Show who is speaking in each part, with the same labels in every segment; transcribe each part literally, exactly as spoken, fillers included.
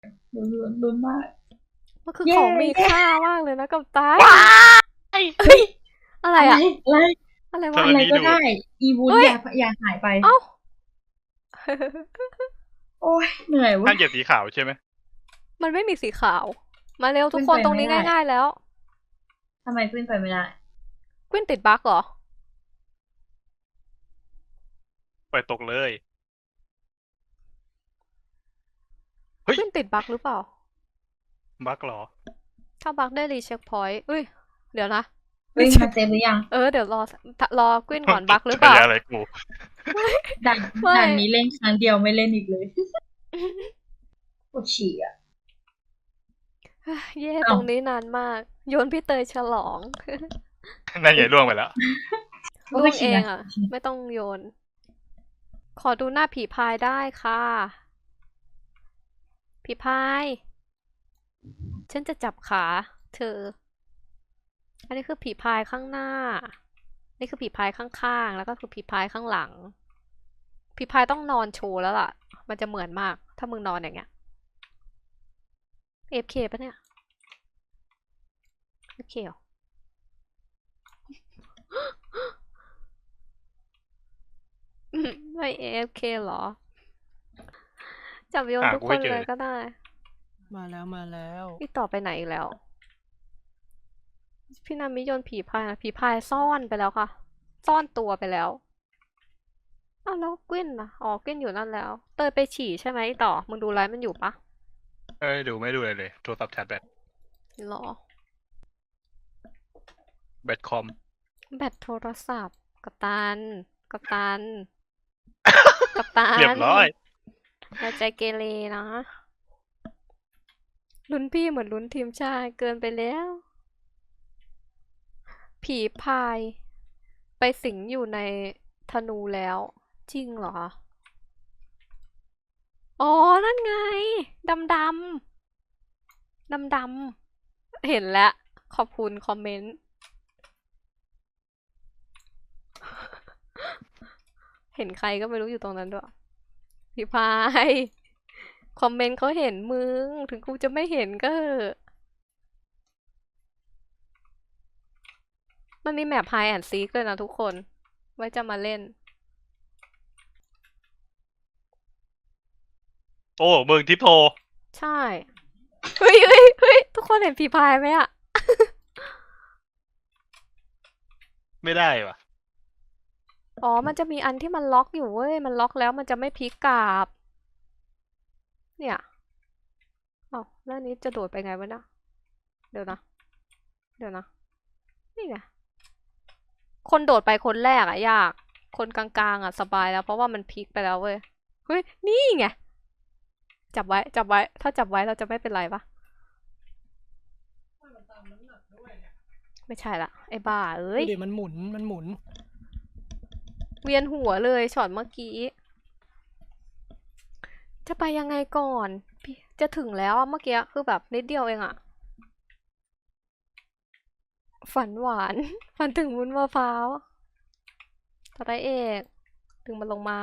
Speaker 1: ลุ้นลุ้นลุ้นมาก
Speaker 2: มันคือ
Speaker 1: เย้
Speaker 2: ของมี
Speaker 1: เย้
Speaker 2: ค่ามากเลยนะกับตา
Speaker 3: ว้าย
Speaker 2: เฮ้ยอะไร
Speaker 1: อะไร
Speaker 2: อะ
Speaker 1: อะไร
Speaker 2: อะไร
Speaker 3: ธ
Speaker 2: วะ
Speaker 1: อะไร
Speaker 3: รณี
Speaker 1: ก็
Speaker 3: ดูด
Speaker 1: ได้ อีวุ้น
Speaker 2: เฮ้ย
Speaker 1: อย่าอย่าหายไป
Speaker 2: เอ้า
Speaker 1: โอ๊ยเหนื่อย
Speaker 3: ห้า
Speaker 1: เว้
Speaker 3: ม
Speaker 1: ย
Speaker 3: เหยียบสีขาวใช่ไหม
Speaker 2: มันไม่มีสีขาว มาเร็วทุก
Speaker 1: ขึ้น
Speaker 2: คน
Speaker 1: ไป
Speaker 2: ตรงนี้
Speaker 1: ไม่ได้
Speaker 2: ง่าย ๆ แล้ว
Speaker 1: ทำไมขึ้นไปไม่ได้
Speaker 2: กวินติดบั๊กเหรอ?
Speaker 3: ปล่อยตกเลย เฮ้ย
Speaker 2: กวินติดบั๊กหรือเปล่า?
Speaker 3: บั๊กเหรอ?
Speaker 2: ถ้าบั๊กได้ recheckpoint อุ๊ย เดี๋ยวนะ
Speaker 1: เฮ้ย
Speaker 2: recheck
Speaker 1: มาเซฟหรือยัง?
Speaker 2: เออ เดี๋ยวรอ ส ท รอกวินก่อน บั๊กหรือ
Speaker 3: ฉ
Speaker 2: เปล่า?
Speaker 3: ายาอะไรกู
Speaker 1: ด่าน
Speaker 2: ไม่
Speaker 1: ด่านนี้เล่นครั้งเดียวไม่เล่นอีกเลย ปวดฉี่อะ
Speaker 2: เย้
Speaker 1: อ้า
Speaker 2: ตร
Speaker 1: ว
Speaker 2: งนี้นานมาก โยนพี่เตยฉลอง
Speaker 3: นั่นไงร่วงไปแล้ว
Speaker 1: ก็
Speaker 2: ร่
Speaker 1: ไป
Speaker 2: วง
Speaker 1: ฉี่
Speaker 2: เอ
Speaker 1: ม
Speaker 2: งอะ ไม่ต้องโยน ขอดูหน้าผีพายได้ค่ะ ผีพาย ฉันจะจับขาเธอ อันนี้คือผีพายข้างหน้า นี่คือผีพายข้าง ๆ แล้วก็คือผีพายข้างหลัง ผีพายต้องนอนโชว์แล้วล่ะ มันจะเหมือนมาก ถ้ามึงนอนอย่างเงี้ย เอฟเค เปล่าเนี่ย? เอฟเค เหรอ? อือ ไม่ เอฟเค เหรอ? จับโยน
Speaker 3: หา
Speaker 2: ทุก
Speaker 3: กู
Speaker 2: ค
Speaker 3: ไม่
Speaker 2: น
Speaker 3: เจ
Speaker 2: เล
Speaker 3: อย
Speaker 2: ก็ได้
Speaker 4: มาแล้ว
Speaker 2: พี่ต่อไปไหนอีกแล้ว? พี่นามิโยนผีพายอะ ผีพายซ่อนไปแล้วค่ะ ซ่อนตัวไปแล้ว อ้าว แล้วกวินล่ะ? อ๋อ กวินอยู่นั่นแล้ว เตยไปฉี่ใช่ไหมต่อ มึงดูไลฟ์มันอยู่เปล่า?
Speaker 3: ไม่ได้ดู ไม่ดูอะไรเลย โทรศัพท์ชาร์จแบต
Speaker 2: เหรอ?
Speaker 3: แบตคอม
Speaker 2: แบตโทรศัพท์ กัปตัน กัปตัน กัปตั
Speaker 3: เรียบ
Speaker 2: น
Speaker 3: ร้อย
Speaker 2: อย่าใจเกเรนะ ลุ้นพี่เหมือนลุ้นทีมชาติ เกินไปแล้ว ผีพายไปสิงอยู่ในธนูแล้ว จริงเหรอ? อ๋อ นั่นไง ดำ ๆ ดำ ๆ เห็นแล้ว ขอบคุณคอมเมนต์ เห็นใครก็ไม่รู้อยู่ตรงนั้นด้วย ผีพาย คอมเมนต์เขาเห็นมึง ถึงกูจะไม่เห็นก็เหอะ มันมี map hide and seek ด้วยนะทุกคน ไว้จะมาเล่น
Speaker 3: โอ้ มึง ทิปโท
Speaker 2: ใช่ เฮ้ย ๆ ๆ ทุกคนเห็นผีพายไหมอะ?
Speaker 3: ไม่ได้ว่ะ
Speaker 2: อ๋อ มันจะมีอันที่มันล็อกอยู่เว้ย มันล็อกแล้วมันจะไม่พลิกกลับ เนี่ย อ้าว แล้วอันนี้จะโดดไปไงวะเนี่ย? เดี๋ยวนะ เดี๋ยวนะ นี่ไง คนโดดไปคนแรกอะยาก คนกลาง ๆ อะสบายแล้ว เพราะว่ามันพลิกไปแล้วเว้ย เฮ้ย นี่ไง จับไว้ จับไว้ ถ้าจับไว้เราจะไม่เป็นไรเปล่า? ไม่ใช่แล้ว ไอ้บ้าเอ้ย
Speaker 4: ดูดิ มันหมุน มันหมุน
Speaker 2: เวียนหัวเลยช็อตเมื่อกี้ จะไปยังไงก่อน พิ จะถึงแล้วอะ เมื่อกี้คือแบบนิดเดียวเองอะ ฝันหวาน ฝันถึงวุ้นมะพร้าว สไตล์เอก ดึงมันลงมา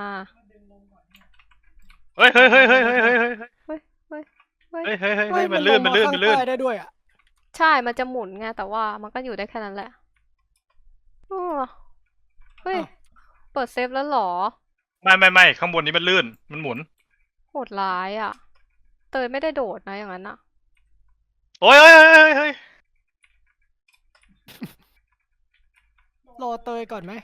Speaker 3: เฮ้ย ๆ ๆ ๆ ๆ ๆ ๆ
Speaker 2: เฮ้ย ๆ ๆ
Speaker 3: เฮ้ย ๆ ๆ
Speaker 2: เฮ้ย
Speaker 3: ๆ
Speaker 4: เฮ้ย
Speaker 3: มั
Speaker 4: มัน น
Speaker 3: ลื่
Speaker 4: ล
Speaker 3: น
Speaker 4: ง
Speaker 3: มั
Speaker 4: มาน
Speaker 3: ลื่น
Speaker 4: ข้าง
Speaker 3: มันลื่น
Speaker 4: ใต้ได้ด้วยอะ
Speaker 2: ใช่ มันจะหมุนไง แต่ว่ามันก็อยู่ได้แค่นั้นแหละ เออ เฮ้ย
Speaker 4: อ้าว
Speaker 2: เปิดเซฟแล้วเหรอ?
Speaker 3: ไม่ ๆ ๆ ข้างบนนี้มันลื่น มันหมุน
Speaker 2: โหดร้ายอะ เตยไม่ได้โดดนะอย่างนั้นน่ะ
Speaker 3: โอ๊ย ๆ ๆ ๆ ๆ
Speaker 4: รอเตยก่อนไหม?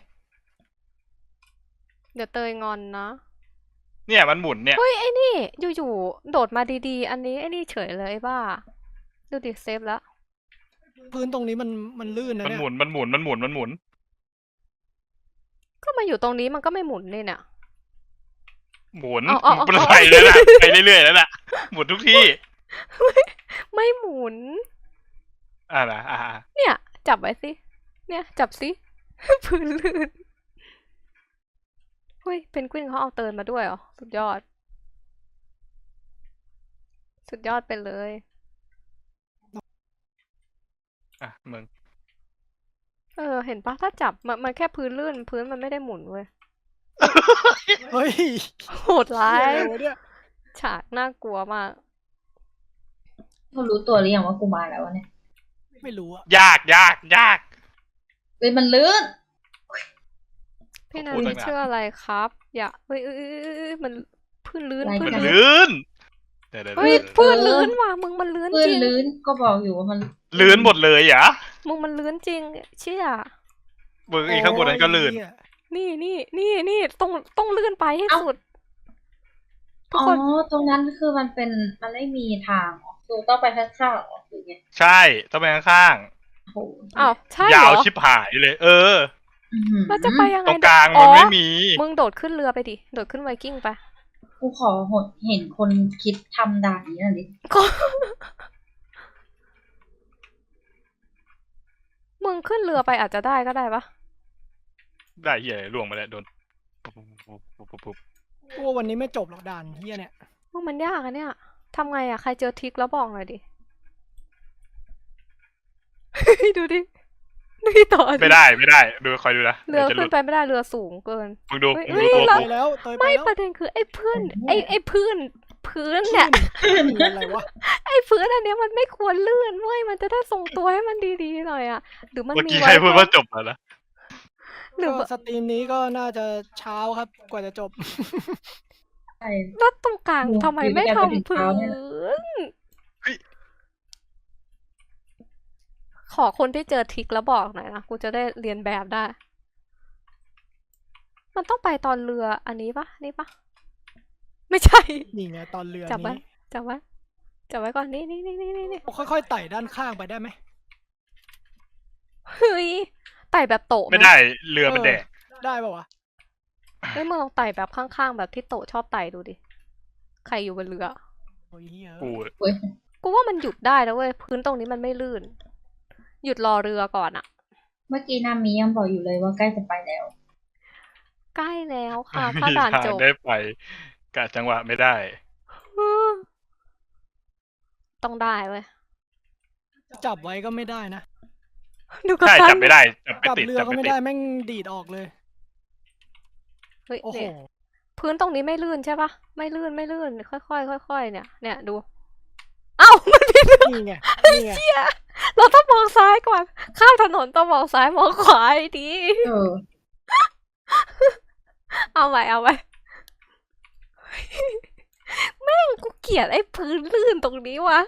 Speaker 2: เดี๋ยวเตยงอนนะ
Speaker 3: เนี่ยมันหมุนเนี่ย
Speaker 2: เฮ้ย ไอ้นี่ อยู่ ๆ โดดมาดี ๆ อันนี้ไอ้นี่เฉยเลยไอ้บ้า ดูดิ เซฟแล้ว
Speaker 4: พื้นตรงนี้มัน มันลื่นนะ
Speaker 3: มัน
Speaker 4: เนี่
Speaker 3: ห
Speaker 4: ย
Speaker 3: มุน มันหมุน มันหมุน มันหมุน
Speaker 2: ก็มาอยู่ตรงนี้มันก็ไม่หมุนนี่เนี่ย
Speaker 3: หมุน
Speaker 2: อ้าว
Speaker 3: มัน
Speaker 2: ๆ ๆ
Speaker 3: ไปแล้วน่ะ ไปเรื่อย ๆ แล้วน่ะ หมุนทุกที่
Speaker 2: ไม่ ไม่หมุน
Speaker 3: อา นะ อา ๆ
Speaker 2: เนี่ย จับไว้สิ เนี่ย จับสิ พื้นลื่น เฮ้ย เพนกวินเขาเอาเตยมาด้วยเหรอ? สุดยอด สุดยอดไปเลย
Speaker 3: อะ มึง
Speaker 2: เออ เห็นเปล่า ถ้าจับ มัน มันแค่พื้นลื่น พื้นมันไม่ได้หมุนเว้ย
Speaker 4: เฮ้ย
Speaker 2: โหดร้า
Speaker 4: เหี้ย
Speaker 2: ย
Speaker 4: อะไรวะเนี่ย?
Speaker 2: ฉากน่ากลัวมาก
Speaker 1: เขารู้ตัวหรือยังว่ากูมาแล้ววะเนี่ย
Speaker 4: ไม่รู้อะ
Speaker 3: ยากยากยาก
Speaker 1: เฮ้ยมันลื่น
Speaker 2: พี่นั
Speaker 3: พูด
Speaker 2: น
Speaker 3: ตั้งนาน
Speaker 2: ชื่ออะไรครับ อย่าเอ้ยเอ้ยเอ้ยเอ้ยมันพื้นลื่น
Speaker 1: อะไร
Speaker 2: พื้น
Speaker 3: มัน
Speaker 1: กั
Speaker 2: ลื่น
Speaker 3: ลื่นเดี๋ยวเดี๋ยว
Speaker 2: เฮ้ย
Speaker 3: เดี๋ยว
Speaker 2: พื้นลื่นว่ะมึงมันลื่น
Speaker 1: ลื่
Speaker 2: จ
Speaker 1: น
Speaker 2: ริง
Speaker 1: ลื่นก็บอกอยู่ว่ามัน
Speaker 3: ลื่นหมดเลยเหรอ
Speaker 2: มึงมันลื่นจริง เชี่ย
Speaker 3: มึงอีกข้างบนนั้นก็ลื่น
Speaker 4: โอ้ยเหี้ย
Speaker 2: นี่นี่นี่นี่ต้องต้องลื่นไปให้สุด ทุก
Speaker 1: อ๋อ
Speaker 2: คน
Speaker 1: ตรงนั้นคือมันเป็นมันไม่มีทางออกคือต้องไปข้างๆออกหรือไง
Speaker 3: ใช่ต้องไปข้าง
Speaker 1: โอ้โห
Speaker 2: อ้าวใช่
Speaker 3: ๆ
Speaker 2: เห
Speaker 3: ยาร ว
Speaker 2: อ
Speaker 3: ชิบหายเลย เออ
Speaker 1: อื้อหือ
Speaker 2: เราจะไปยังไง
Speaker 3: ตรงกลาง
Speaker 2: อ๋
Speaker 3: มัน
Speaker 2: อ
Speaker 3: ไม่มี
Speaker 2: มึงโดดขึ้นเรือไปดิ โดดขึ้นไวกิ้งไป
Speaker 1: กูขอเห็นคนคิดทำด่านนี้หน่อยดิ
Speaker 2: ก็ มึงขึ้นเรือไปอาจจะได้ก็ได้ปะ
Speaker 3: ได้เหี้ยล่วงมาแล้วโดนปุ๊บปุ๊บปุ๊บปุ๊บปุ๊บ
Speaker 4: กูว่าวันนี้ไม่จบหรอกด่านเฮียเนี่ย
Speaker 2: มึงมันยากอะเนี่ยทำไงอะใครเจอทริกแล้วบอกหน่อยดิ ดูดิดูดิต่อดิ
Speaker 3: ไม่ได้ไม่ได้ ดูคอยดูนะ
Speaker 2: เรือ
Speaker 3: ดี๋ยวจะห
Speaker 2: ขึ้
Speaker 3: ลุ
Speaker 2: น
Speaker 3: ด
Speaker 2: ไปไม่ได้เรือสูงเกิน
Speaker 3: มึงดู
Speaker 2: เฮ้ย
Speaker 3: มึงดู
Speaker 2: เฮ้ย
Speaker 3: ตัว
Speaker 2: เรา
Speaker 3: กู
Speaker 4: ไปแล้วเตยไป
Speaker 2: ไม่
Speaker 4: แล้ว
Speaker 2: ประเด็นคือไอ้พื้นไอ้ไอ้พื้น พื้นเนี่ย
Speaker 4: ขึ้นอะไรวะ
Speaker 2: ไอ้พื้นอันเนี้ยมันไม่ควรลื่นเว้ยมันจะได้ทรงตัวให้มันดีๆหน่อยอะหรือมัน
Speaker 3: เมื่อ
Speaker 2: มี
Speaker 3: กี้
Speaker 2: ไว้
Speaker 3: ใครพูด
Speaker 2: เพื่อ
Speaker 3: ว่าจบแล้วนะ
Speaker 2: หรือ
Speaker 4: ก็
Speaker 2: ว่า
Speaker 4: สตรีมนี้ก็น่าจะเช้าครับกว่าจะจบ
Speaker 1: ใช่
Speaker 2: แล้วตรงกลาง
Speaker 1: ดู
Speaker 2: ทำไม
Speaker 1: ดู
Speaker 2: ไม่
Speaker 1: ด้วยกันไปถึง
Speaker 2: ทำพื้
Speaker 1: เช้าเนี่ยนะ
Speaker 2: น
Speaker 3: เฮ้ย
Speaker 2: ขอคนที่เจอทริกแล้วบอกหน่อยนะกูจะได้เรียนแบบได้ มันต้องไปตอนเรืออันนี้ปะนี่ปะไม่ใช่
Speaker 4: นี่ไงตอนเรือ
Speaker 2: จับไว้
Speaker 4: นี้
Speaker 2: จับไว้จับไว้ก่อนนี่นี่นี่นี่นี่
Speaker 4: ค่อยๆไต่ด้านข้างไปได้ไหม
Speaker 2: เฮ้ยไต่แบบโตะห
Speaker 3: ไม่ได้เรือมันแดก
Speaker 4: ได้ป่าวะ
Speaker 2: เฮ้ยมึงลองไต่แบบข้างๆแบบที่โตะชอบไต่ดูดิใครอยู่บนเรือ
Speaker 4: โอ้ยเฮีย
Speaker 3: กู
Speaker 1: เว้ย
Speaker 2: กูว่ามันหยุดได้นะเว้ยพื้นตรงนี้มันไม่ลื่น หยุดรอเรือก่อนอะ
Speaker 1: เมื่อกี้นามียังบอกอยู่เลยว่าใกล้จะไปแล้ว
Speaker 2: ใกล้แล้วค่ะ
Speaker 3: ไม่
Speaker 2: ถ้า
Speaker 3: มี
Speaker 2: ด่าน
Speaker 3: ทาง
Speaker 2: จบ
Speaker 3: ได้ไปกะจังหวะไม่ได้
Speaker 2: ต้องได้เว้ย
Speaker 4: จับไว้ก็ไม่ได้นะ
Speaker 2: ดูกัป
Speaker 3: ใช่
Speaker 2: ตัน
Speaker 3: จับไม่ได้จับไม่
Speaker 4: จับ
Speaker 3: ติด
Speaker 4: เรือ
Speaker 3: จับ
Speaker 4: ก็
Speaker 3: ไม่
Speaker 4: ไม่
Speaker 3: ติด
Speaker 4: ได้แม่งดีดออกเลย
Speaker 2: เฮ้ย
Speaker 4: โอ้โห
Speaker 2: เนี่ยพื้นตรงนี้ไม่ลื่นใช่ปะไม่ลื่นไม่ลื่นค่อยๆค่อยๆเนี่ยเนี่ยดู เอ้า มันผิด
Speaker 4: นี่ไงนี่ไง
Speaker 2: เราต้องมองซ้ายก่อน ข้ามถนนต้องมองซ้ายมองขวาให้ดี
Speaker 1: เออ
Speaker 2: เอาไว้เอาไว้ แม่งกูเกลียดไอ้พื้นลื่นตรงนี้วะ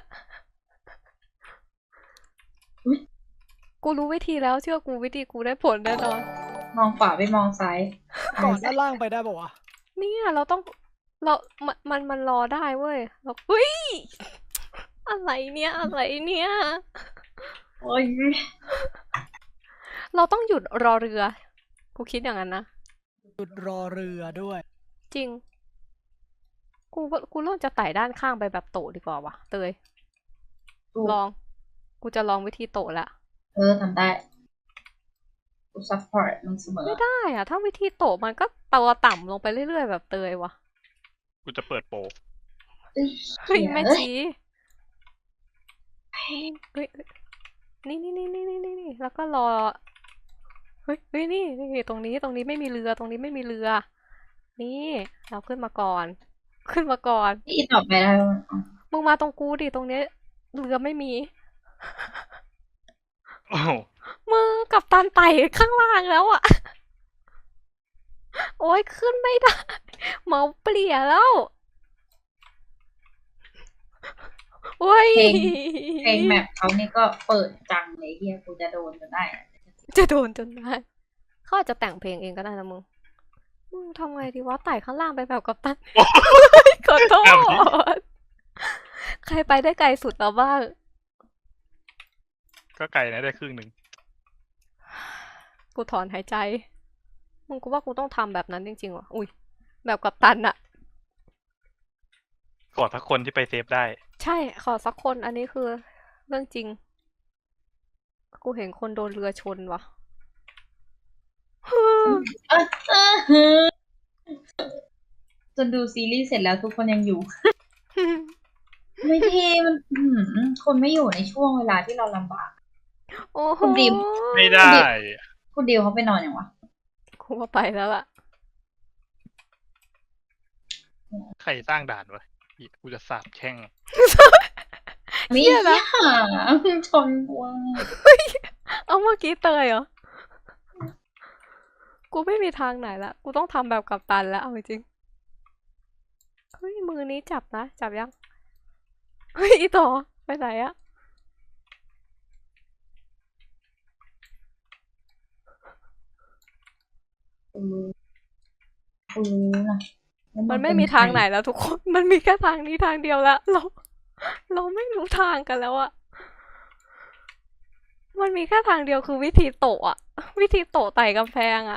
Speaker 1: อุ๊ย
Speaker 2: กูรู้วิธีแล้วเชื่อกูวิธีกูได้ผลแน่นอน
Speaker 1: มองขวาไปมองซ้าย
Speaker 4: ก่อนด้านล่างไปได้ป่าวะ
Speaker 2: เนี่ยเราต้องเรา มันมันมันรอได้เว้ยเราเฮ้ย อะไรเนี่ยอะไรเนี่ย
Speaker 1: โอ้ย
Speaker 2: เราต้องหยุดรอเรือ กูคิดอย่างนั้นนะ
Speaker 4: หยุดรอเรือด้วย
Speaker 2: จริง กูว่ากูเริ่มจะไต่ด้านข้างไปแบบโตะดีกว่าวะเตย
Speaker 1: ถูก
Speaker 2: ลอง กูจะลองวิธีโตะละ
Speaker 1: เออทำได้กูซัพพอร์ตมันเสมอ
Speaker 2: ไม่ได้อะถ้าวิธีโตะมันก็ตัวต่ำลงไปเรื่อยๆแบบเตยวะ
Speaker 3: กูจะเปิดโปร
Speaker 1: เอ้ย
Speaker 2: เฮ้ย
Speaker 1: เหี้ย
Speaker 2: แม่
Speaker 1: เอ้ย
Speaker 2: จีเฮ้ยเฮ้ยนี่นี่นี่นี่นี่นี่นี่แล้วก็รอ เฮ้ยเฮ้ยนี่นี่ตรงนี้ตรงนี้ไม่มีเรือตรงนี้ไม่มีเรือ นี่เราขึ้นมาก่อน ขึ้นมาก่อน
Speaker 1: อีต่อไปได้แล้วอ๋อ
Speaker 2: มึงมาตรงกูดิตรงเนี้ยเรือไม่มี
Speaker 3: โอ้โห
Speaker 2: มึงกับตันไต่ข้างล่างแล้วอะ โอ้ยขึ้นไม่ได้ เมาเปลี่ยแล้ว โอ้ย
Speaker 1: เพลงเพลงแมปเขานี่ก็เปิดจังเลยเฮียกูจะโดนจนได้อะ
Speaker 2: จะโดนจนได้เขาอาจจะแต่งเพลงเองก็ได้นะมึง มึงทำไงดีวะไต่ข้างล่างไปแบบกับตัน ขอโทษ ใครไปได้ไกลสุดแล้วบ้าง
Speaker 3: ก็ไกลนะได้ครึ่งหนึ่ง
Speaker 2: กูถอนหายใจ มึงกูว่ากูต้องทำแบบนั้นจริงๆว่ะ อุ้ย แบบกับตันอะ
Speaker 3: ขอทักคนที่ไปเซฟได้
Speaker 2: ใช่ ขอสักคนอันนี้คือเรื่องจริง กูเห็นคนโดนเรือชนว่ะ
Speaker 1: เออเออเออจนดูซีรีส์เสร็จแล้วทุกคนยังอยู่ ไม่เท่มันอื้อหือคนไม่อยู่ในช่วงเวลาที่เราลำบาก
Speaker 2: โอ้โห
Speaker 1: คุณดิม
Speaker 3: ไม่ได้
Speaker 1: คุณเดียวเขาไปนอนอย่างวะ
Speaker 2: กูว่าไปแล้วล่ะ
Speaker 3: ใครสร้างด่านวะเหี้ยกูจะสาบแช่ง
Speaker 1: ไม่
Speaker 2: เหี้ยนะ
Speaker 1: หาชนว่า
Speaker 2: เอาเมื่อกี้เตยเหรอ กูไม่มีทางไหนละ กูต้องทำแบบกัปตันแล้วเอาจริงเฮ้ยมือนี้จับนะ จับยัง เฮ้ยอีต่อไปไหนอะ
Speaker 1: กูรู้กูรู้นะว่า
Speaker 2: มันไม่
Speaker 1: เป็
Speaker 2: มีทาง
Speaker 1: ใคร
Speaker 2: ไหนแล้วทุกคน มันมีแค่ทางนี้ทางเดียวแล้ว เรา เราไม่รู้ทางกันแล้วอะมันมีแค่ทางเดียวคือวิธีโตะอะวิธีโตะไต่กำแพงอะ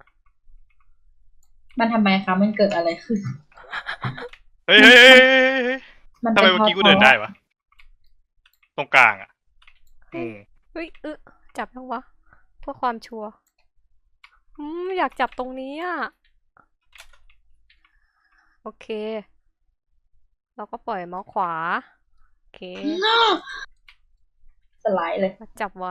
Speaker 1: มันทำไมคะมันเกิดอะไรขึ้น
Speaker 3: เฮ้ยเฮ้ยเฮ้ยเฮ้ยเฮ้ย
Speaker 1: มัน
Speaker 3: ทำไม
Speaker 1: เป็น
Speaker 3: เมื่อกี้กู
Speaker 1: พราะ
Speaker 3: เดินได้วะตรงกลางอ่ะอืม
Speaker 2: เฮ้ยเออจับยังวะ เพื่อความชัวร์อืมอยากจับตรงนี้อะโอเค เราก็ปล่อยเมาส์ขวา โอเค
Speaker 1: สไลด์เลย
Speaker 2: มาจับไว้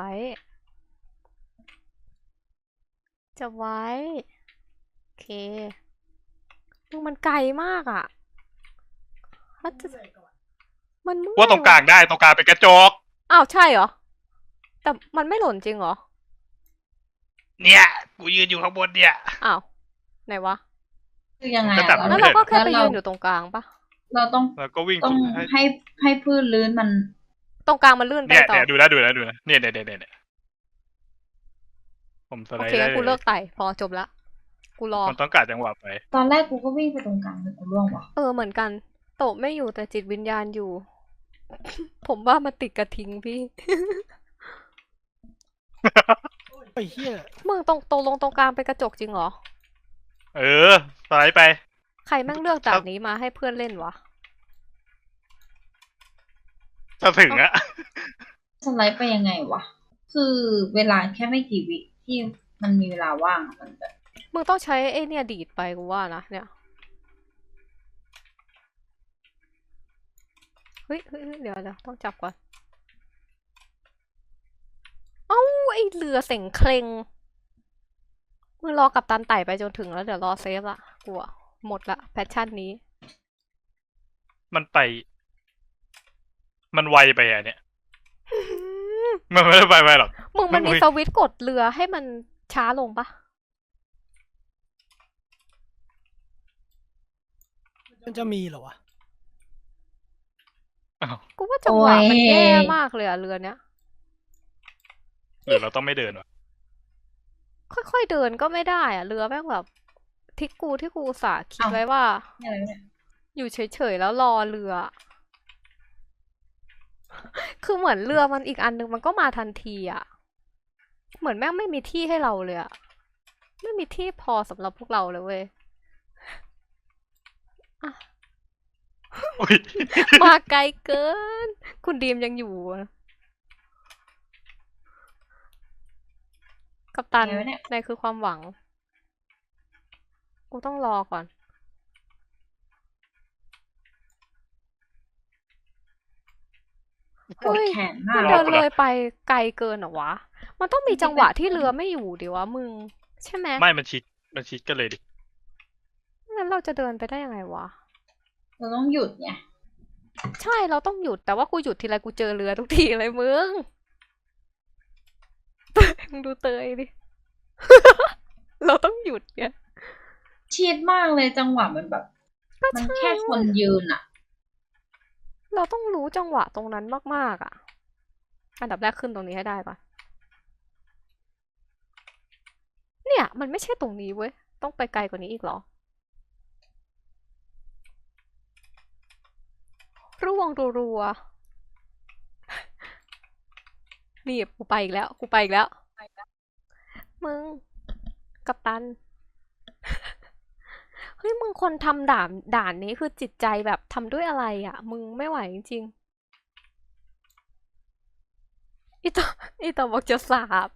Speaker 2: จับไว้ โอเคมึงมันไกลมากอะถ้าจะมันเมื่อย
Speaker 3: ว่าตรงกลางได้ตรงกลางเป็นกระจก
Speaker 2: อ้าวใช่เหรอ แต่มันไม่หล่นจริงเหรอ
Speaker 3: เนี่ย กูยืนอยู่ข้างบนเนี่ย
Speaker 2: อ้าว ไหนวะ
Speaker 1: คือยังไง
Speaker 3: ก็
Speaker 1: อะ
Speaker 3: จับ
Speaker 2: แล้ว
Speaker 3: ไม่
Speaker 2: เรา
Speaker 3: ได้
Speaker 2: ก็แค่ไป
Speaker 1: แล้ว
Speaker 2: ยื
Speaker 1: เรา
Speaker 2: นอยู่ตรงกลางปะ
Speaker 1: เราต้อง
Speaker 3: แล้วก็วิ่ง
Speaker 1: ต้อง
Speaker 3: ให้
Speaker 1: ให้ให้พื้นลื่นมัน
Speaker 2: ตรงกลางมันลื่นไป
Speaker 3: เนี่ย
Speaker 2: ต่อ
Speaker 3: เนี่ยดูนะดูนะดูนะเนี่ยเนี่ยเนี่ยเนี่ยผมส
Speaker 2: โอ
Speaker 3: ไลด์
Speaker 2: เค
Speaker 3: ได้
Speaker 2: งั้นกู
Speaker 3: เล
Speaker 2: เลิ
Speaker 3: ย
Speaker 2: กไต่พอจบละ กูรอ
Speaker 3: มันต้องการจังหวะไป
Speaker 1: ตอนแรกกูก็วิ่งไปตรงกลางเลยกูร่วงว่ะ
Speaker 2: เออเหมือนกัน โตะไม่อยู่แต่จิตวิญญาณอยู่ ผมว่ามันติดกระทิงพี่
Speaker 4: ไอ้เหี้ย
Speaker 2: มึงตรงตรงลงตรงกลางเป็นกระจกจริงเหรอ
Speaker 3: เออสไลด์ไป
Speaker 2: ใครแม่งเลือกจากนี้มาให้เพื่อนเล่นวะ
Speaker 3: ถ้าถึงอะ
Speaker 1: สไลด์ไปยังไงวะ คือเวลาแค่ไม่กี่วิที่มันมีเวลาว่างอะมันแบบ
Speaker 2: มึงต้องใช้ไอ้เนี่ยดีดไปกูว่านะเนี่ย เฮ้ยเฮ้ยเฮ้ยเดี๋ยวเดี๋ยวต้องจับก่อน เอ้าไอเรือเส็งเคลงมึงรอกับตันไต่ไปจนถึงแล้วเดี๋ยวรอเซฟละกลัวหมดละแพชชั่นนี้
Speaker 3: มันไป มันไวไปอะเนี่ย มันไม่ได้ไปไปหรอก
Speaker 2: มึงมันมี
Speaker 3: อุ๊ย
Speaker 2: สวิตช์กดเรือให้มันช้าลงปะ
Speaker 4: มันจะมีเหรอวะ
Speaker 3: อ้าว
Speaker 2: กูว่าจังหวะมันแย่มากเลยอะเรือเนี้ย
Speaker 3: หรือเราต้องไม่เดินวะ
Speaker 2: ค่อยๆเดินก็ไม่ได้อะเรือแม่งแบบที่กูที่กูอุตสาห์คิด
Speaker 1: อ้าว
Speaker 2: ไว้ว่า
Speaker 1: นี่อะไรเนี่ย
Speaker 2: อยู่เฉยๆแล้วรอเรือ คือเหมือนเรือมันอีกอันนึงมันก็มาทันทีอะเหมือนแม่งไม่มีที่ให้เราเลยอะไม่มีที่พอสำหรับพวกเราเลยเว้ย
Speaker 3: อุ๊ย
Speaker 2: มาไกลเกิน คุณดีมยังอยู่อะกัปตัน
Speaker 1: ไงวะเนี่ย
Speaker 2: ในคือความหวัง กูต้องรอก่อน
Speaker 1: ปวดแขนมาก
Speaker 2: มัน
Speaker 3: ร
Speaker 2: เดิ
Speaker 3: อน กู
Speaker 2: เล
Speaker 3: ละ
Speaker 2: ยไปไกลเกินเหรอวะ มันต้องมีจังหวะที่เรือไม่อยู่ดิวะมึง ใช่ไหม
Speaker 3: ไม่มันชิดมันชิดกันเลยดิ
Speaker 2: งั้นเราจะเดินไปได้ยังไงวะ
Speaker 1: เราต้องหยุดไง
Speaker 2: ใช่เราต้องหยุดแต่ว่ากูหยุดทีไรกูเจอเรือทุกทีเลยมึง มึงดูเตยดิ เราต้องหยุดเนี่ย
Speaker 1: ชิดมากเลยจังหวะมันแบบ
Speaker 2: ก็
Speaker 1: มัน
Speaker 2: ใช่
Speaker 1: แค่คนยืนอะ
Speaker 2: เราต้องรู้จังหวะตรงนั้นมากๆอ่ะ อันดับแรกขึ้นตรงนี้ให้ได้ก่อน เนี่ย มันไม่ใช่ตรงนี้เว้ย ต้องไปไกลกว่านี้อีกเหรอ ร่วงรัวๆ นี่กูไปอีกแล้ว กูไปอีกแล้ว มึง กัปตัน เฮ้ยมึงคนทำด่านด่านนี้คือจิตใจแบบทำด้วยอะไรอ่ะ มึงไม่ไหวจริงๆอีต่ออีต่อบอกจะสาบ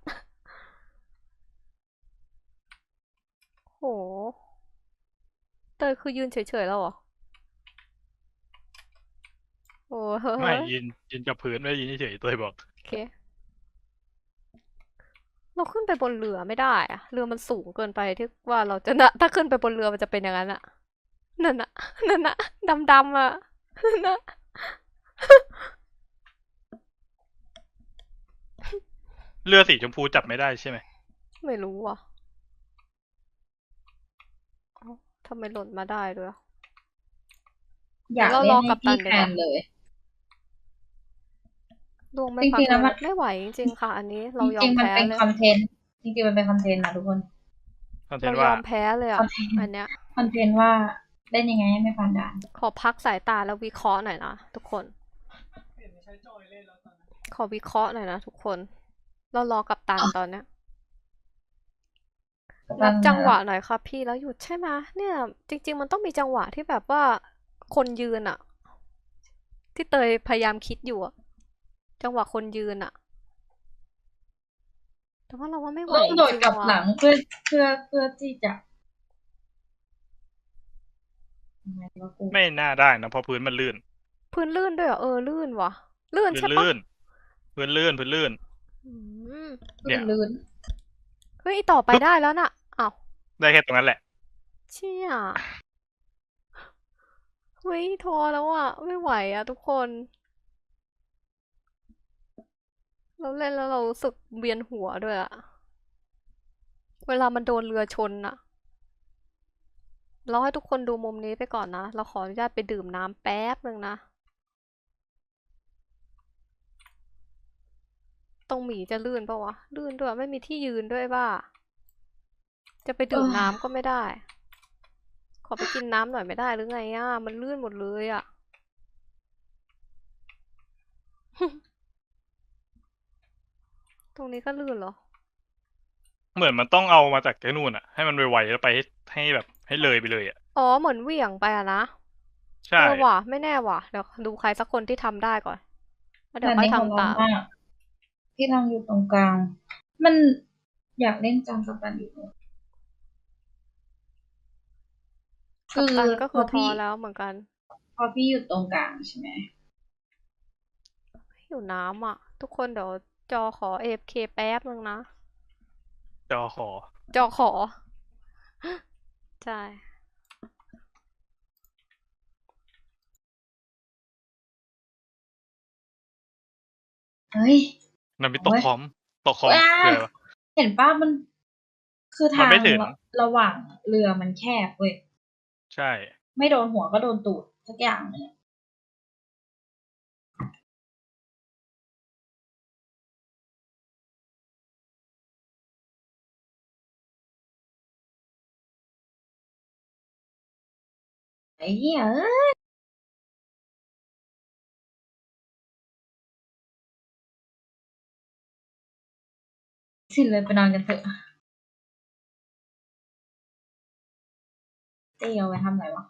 Speaker 2: โห เตยคือยืนเฉยๆแล้วเหรอ โอ้เฮ้
Speaker 3: ไม่
Speaker 2: ย
Speaker 3: ยืนยืนกับพื้นไม่ได้ยืนเฉยๆตัวบอก
Speaker 2: โอเค เราขึ้นไปบนเรือไม่ได้อะเรือมันสูงเกินไปที่ว่าเราจะนะถ้าขึ้นไปบนเรือมันจะเป็นอย่างนั้นอะนั่นอะนั่นอะดำๆอะนั่นอะ
Speaker 3: เรือสีชมพูจับไม่ได้ใช่ไหม
Speaker 2: ไม่รู้อ่ะเอ้าทำไมหล่นมาได้ด้วยอะ
Speaker 1: อยาก
Speaker 2: เรา
Speaker 1: เล่
Speaker 2: ร
Speaker 1: น
Speaker 2: อ
Speaker 1: ให้
Speaker 2: กัปตั
Speaker 1: พี่
Speaker 2: นดี
Speaker 1: แท
Speaker 2: กว่า
Speaker 1: นเลย
Speaker 2: ดวงไม่
Speaker 1: จ
Speaker 2: ปั
Speaker 1: ริ
Speaker 2: ก
Speaker 1: งๆ แล้
Speaker 2: เล
Speaker 1: วย มัน
Speaker 2: ไม่ไหวจริง ๆ ค่ะ อันนี้
Speaker 1: จ
Speaker 2: เรายอ
Speaker 1: ริง
Speaker 2: ม
Speaker 1: ๆ มั
Speaker 2: แพ
Speaker 1: นเป็น้
Speaker 2: เลย
Speaker 1: คอนเทนต์ จริง ๆ มันเป็นคอนเทนต์นะทุกคน
Speaker 3: คอนเท
Speaker 2: เรา
Speaker 3: นต์
Speaker 2: ย
Speaker 3: ว่า
Speaker 2: อมแพ้เลย
Speaker 1: ค
Speaker 2: อะ
Speaker 1: อนเทนต์
Speaker 2: อันเนี้ย
Speaker 1: คอนเทนต์ว่าเล่นยังไงให้ไม่ผ่านด่าน
Speaker 2: ขอพักสายตาแล้ววิเคราะห์หน่อยนะทุกคน ขอวิเคราะห์หน่อยนะทุกคน เรารอกัปตันตอนเนี้ย
Speaker 1: กัปตั
Speaker 2: นั
Speaker 1: น
Speaker 2: บ
Speaker 1: อยู่
Speaker 2: จั
Speaker 1: ไหน
Speaker 2: งห
Speaker 1: ล่ะ?
Speaker 2: วะหน่อยค่ะพี่แล้วหยุดใช่ไหม เนี่ย จริง ๆ มันต้องมีจังหวะที่แบบว่าคนยืนอะ ที่เตยพยายามคิดอยู่อะ จังหวะคนยืนอะ แต่ว่าเราว่าไม่ไหว
Speaker 1: ต้อง
Speaker 2: จ
Speaker 1: โดด
Speaker 2: ริง
Speaker 1: กลับ
Speaker 2: ๆ ว่ะ
Speaker 1: หลัง เพื่อ เพื่อ เพื่อที่จะ ยังไงวะกู
Speaker 3: ไม่น่าได้นะ เพราะพื้นมันลื่น
Speaker 2: พื้นลื่นด้วยเหรอ? เออ ลื่นว่ะ ลื่น
Speaker 3: พื้
Speaker 2: ใช่
Speaker 3: น
Speaker 2: เปล่า?
Speaker 3: ลื่น พื้นลื่น พื้นลื่น
Speaker 2: อืม
Speaker 1: พื
Speaker 3: เนี่
Speaker 1: ้น
Speaker 3: ย
Speaker 1: ลื่น
Speaker 2: เฮ้ย ต่อไปได้แล้วน่ะ อ้าว
Speaker 3: ได้แค่ตรงนั้นแหละ
Speaker 2: เชี่ย เฮ้ย ท้อแล้วอะ ไม่ไหวอะทุกคน เราเล่นแล้วเรารู้สึกเวียนหัวด้วยอะ เวลามันโดนเรือชนน่ะ เราให้ทุกคนดูมุมนี้ไปก่อนนะ เราขออนุญาตไปดื่มน้ำแป๊บหนึ่งนะ ตรงหมีจะลื่นเปล่าวะ? ลื่นด้วย ไม่มีที่ยืนด้วยบ้า จะไปดื่มน้ำก็ไม่ได้ ขอไปกินน้ำหน่อยไม่ได้หรือไงอะ? มันลื่นหมดเลยอะ ตรงนี้ก็ลื่นเหรอ?
Speaker 3: เหมือนมันต้องเอามาจากไอ้นู่นน่ะ ให้มันไว ๆ แล้วไปให้ ให้แบบ ให้เลยไปเลยอะ
Speaker 2: อ๋อ เหมือนเหวี่ยงไปอะนะ
Speaker 3: ใช
Speaker 2: เออว่ะ ไม่แน่ว่ะ เดี๋ยวดูใครสักคนที่ทำได้ก่อน แล้วเดี๋ย
Speaker 1: ด่า
Speaker 2: วน ค่อ
Speaker 1: นี้
Speaker 2: ยท
Speaker 1: โหดร้
Speaker 2: ำ
Speaker 1: า
Speaker 2: ตาน ม
Speaker 1: มาก พี่ลองอยู่ตรงกลาง มัน อยากเล่นจังกัปตันอยู่ ค
Speaker 2: กั
Speaker 1: ื
Speaker 2: ป
Speaker 1: อ
Speaker 2: ตันก็
Speaker 1: พ
Speaker 2: คือ
Speaker 1: พ
Speaker 2: ท้
Speaker 1: พี่
Speaker 2: อแล้วเหมือนกัน
Speaker 1: พอพี่อยู่ตรงกลางใช่ไหม?
Speaker 2: หิวน้ำอะ ทุกคนเดี๋ยวจอขอ เอ เอฟ เค แป๊บหนึ่งนะ
Speaker 3: จอขอ
Speaker 2: จอขอ ใช่
Speaker 1: เฮ้ย
Speaker 3: มันมี
Speaker 1: โอ
Speaker 3: ตก๊
Speaker 1: ย
Speaker 3: คอม ตกคอม
Speaker 1: ว้า
Speaker 3: คืออะไรวะ?
Speaker 1: เห็นเปล่า มัน คือท
Speaker 3: มัน
Speaker 1: า
Speaker 3: ไม่
Speaker 1: ง
Speaker 3: ถึง
Speaker 1: ระ ระหว่างเรือมันแคบเว้ย
Speaker 3: ใช่
Speaker 1: ไม่โดนหัวก็โดนตูดสักอย่างหนึ่งอะ ไอ้เหี้ยเอ้ย สิ้นเลย ไปนอนกันเถอะ เต้เอาไว้ทำไรวะ?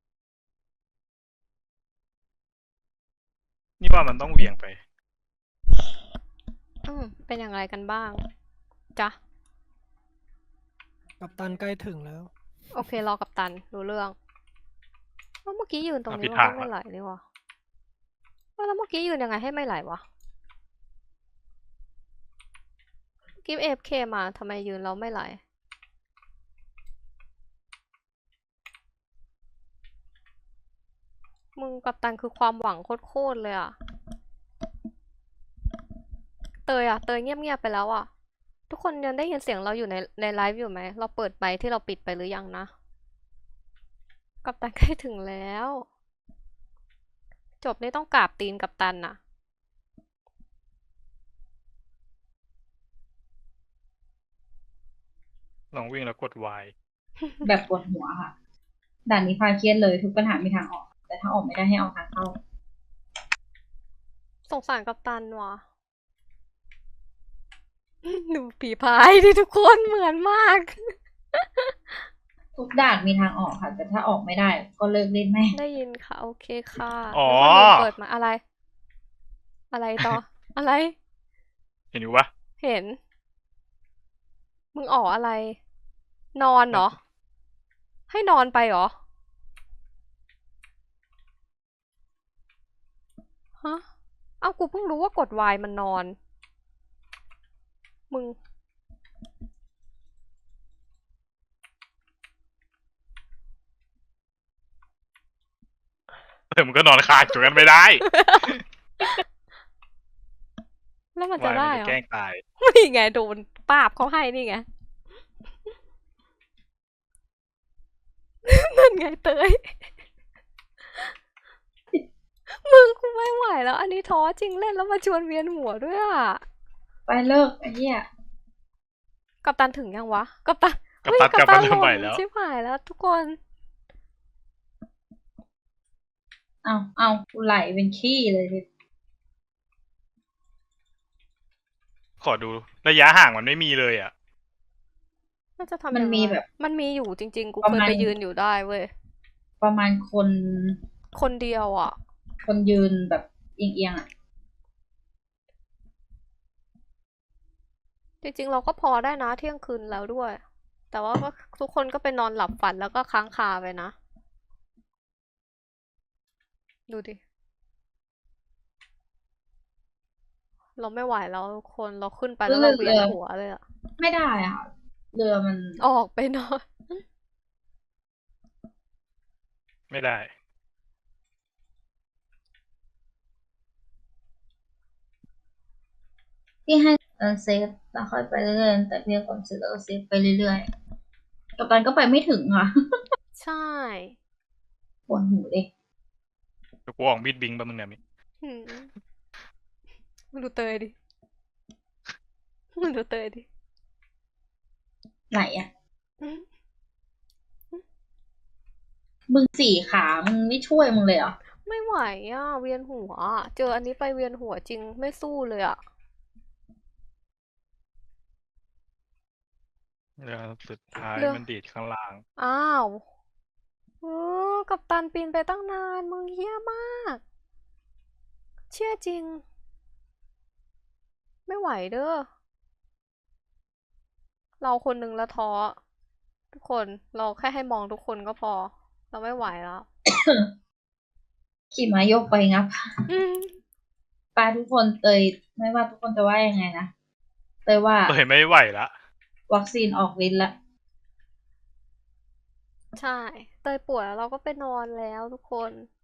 Speaker 3: นี่ว่ามันต้องเหวี่ยงไป
Speaker 2: อืม เป็นอย่างไรกันบ้าง จ๊ะ?
Speaker 4: กัปตันใกล้ถึงแล้ว
Speaker 2: โอเค รอกัปตัน รู้เรื่อง อ้าว เมื่อกี้ยืนตรง
Speaker 3: อ้าว
Speaker 2: นี้
Speaker 3: ผิด
Speaker 2: มัน
Speaker 3: ทา
Speaker 2: ก็
Speaker 3: ง
Speaker 2: ไม่
Speaker 3: แล้ว
Speaker 2: ไหลนี่หว่า อ้าว แล้วเมื่อกี้ยืนยังไงให้ไม่ไหลวะ? เมื่อกี้ เอ เอฟ เค มา ทำไมยืนแล้วไม่ไหล? มึง กัปตันคือความหวังโคตร ๆ เลยอะ เตยอะ เตยเงียบ ๆ ไปแล้วอะ ทุกคนยังได้ยินเสียงเราอยู่ใน ในไลฟ์อยู่ไหม? เราเปิดไมค์ที่เราปิดไปหรือยังนะ? กัปตัน ใกล้ ถึงแล้ว จบนี่ต้องกราบตีนกัปตันน่ะ
Speaker 3: ลองวิ่งแล้วกด Y
Speaker 1: แบบปวดหัวค่ะ ด่านนี้พาเครียดเลย ทุกปัญหามีทางออก แต่ถ้าออกไม่ได้ให้เอาทางเข้า
Speaker 2: สงสารกัปตันว่ะ ดูฝีพายดิทุกคน เหมือนมาก
Speaker 1: ทุกด่านมีทางออกค่ะ แต่ถ้าออกไม่ได้ก็เลิกเล่นแม่ง
Speaker 2: ได้ยินค่ะ โอเคค่ะ
Speaker 3: อ๋อ
Speaker 2: นึกว่าลืมเปิดไมค์ อะไร? อะไรต่อ? อะไร?
Speaker 3: เห็นอยู่เปล่า?
Speaker 2: เห็น มึงอ๋ออะไร? นอนเหรอ? ให้นอนไปเหรอ? ฮะ อ้าว กูเพิ่งรู้ว่ากด Y มันนอน มึง
Speaker 3: เออ มึงก็นอนคาอยู่ตรงนั้นไม่ได้
Speaker 2: แล้วแล้วมัน
Speaker 3: วา
Speaker 2: จะ
Speaker 3: ย
Speaker 2: ได้
Speaker 3: มัน
Speaker 2: เหร
Speaker 3: จะ
Speaker 2: อ
Speaker 3: แกล้งตาย
Speaker 2: นี่ไงโดนป้าบเขาให้นี่ไง นั่นไงเตย มึงกูไม่ไหวแล้ว อันนี้ท้อจริงเล่นแล้วมาชวนเวียนหัวด้วยอ่ะ
Speaker 1: ไปเลิกไอ้เหี้ย
Speaker 2: กัปตันถึงยังวะ กัปตัน
Speaker 3: กัป
Speaker 2: เฮ้ย
Speaker 3: ตัน
Speaker 2: กัป
Speaker 3: กลับ
Speaker 2: ตั
Speaker 3: มาน เริ่
Speaker 2: ห
Speaker 3: ม
Speaker 2: ล่
Speaker 3: ใหม่
Speaker 2: น
Speaker 3: แล้ว
Speaker 2: ชิบหายแล้วทุกคน
Speaker 1: เอาเอากูไหลเป็นขี้เลยที
Speaker 3: ขอดูระยะห่างมันไม่มีเลยอ่ะ
Speaker 2: น่าจะทำ
Speaker 1: มัน
Speaker 2: ยังไง
Speaker 1: มีแบบ
Speaker 2: มันมีอยู่จริง ๆ กู
Speaker 1: ประ
Speaker 2: เคย
Speaker 1: มาณ
Speaker 2: ไปยืนอยู่ได้เว้ย
Speaker 1: ประมาณคน
Speaker 2: คนเดียวอ่ะ
Speaker 1: คนยืนแบบเอียงๆอ่ะ
Speaker 2: จริง ๆ เราก็พอได้นะเที่ยงคืนแล้วด้วย แต่ว่าก็ทุกคนก็ไปนอนหลับฝันแล้วก็ค้างคาไปนะ ดูดิ เราไม่ไหวแล้วทุกคน เราขึ้นไปแล้วเราเวียนหัวเลยอะ
Speaker 1: ไม่ได้อ่ะ เรือมัน
Speaker 2: ออกไปนอน
Speaker 3: ไม่ได้
Speaker 1: ที่ให้เออเซฟแล้วค่อยไปเรื่อยๆแต่เพียงความเสร็จแล้วก็เซฟไปเรื่อยๆกับตันก็ไปไม่ถึงอ่ะ
Speaker 2: ใช่
Speaker 1: ปวดหูเลย
Speaker 3: เดี๋ยวกูออกมีดบิงปะมึงเนี่ยมิ
Speaker 2: หืมมึงดูเตยดิ มึงดูเตยดิ
Speaker 1: ไหลอ่ะ
Speaker 2: อืม
Speaker 1: มึงสี่ขา มึงไม่ช่วยมึงเลยเหรอ
Speaker 2: ไม่ไหวอ่ะ เวียนหัวอะเจออันนี้ไปเวียนหัวจริงไม่สู้เลยอ่ะ
Speaker 3: เรือสุดท้าย
Speaker 2: เรือ
Speaker 3: มันดีดข้างล่าง
Speaker 2: อ้าวเออกัปตันปีนไปตั้งนาน มึงเหี้ยมาก เชื่อจริง ไม่ไหวเด้อ เราคนหนึ่งละท้อ ทุกคน เราแค่ให้มองทุกคนก็พอ เราไม่ไหวแล้ว
Speaker 1: ขี่ม้ายกไปงับ
Speaker 2: อืม
Speaker 1: ปลาทุกคนเตยไม่ว่าทุกคนจะว่ายังไงนะเตยว่า
Speaker 3: เปิดไม่ไหวละ
Speaker 1: วัคซีนออกฤทธิ์ละ
Speaker 2: ใช่ เตยป่วยแล้วเราก็ไปนอนแล้วทุกคน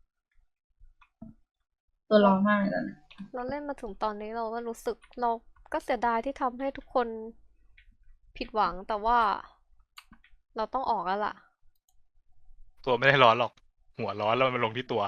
Speaker 1: ตัวร้อนมากเลยตอนนี้
Speaker 2: เราเล่นมาถึงตอนนี้เราก็รู้สึกเราก็เสียดายที่ทำให้ทุกคนผิดหวังแต่ว่า เราต้องออกแล้วล่ะ
Speaker 3: ตัวไม่ได้ร้อนหรอก หัวร้อนแล้วมันลงที่ตัว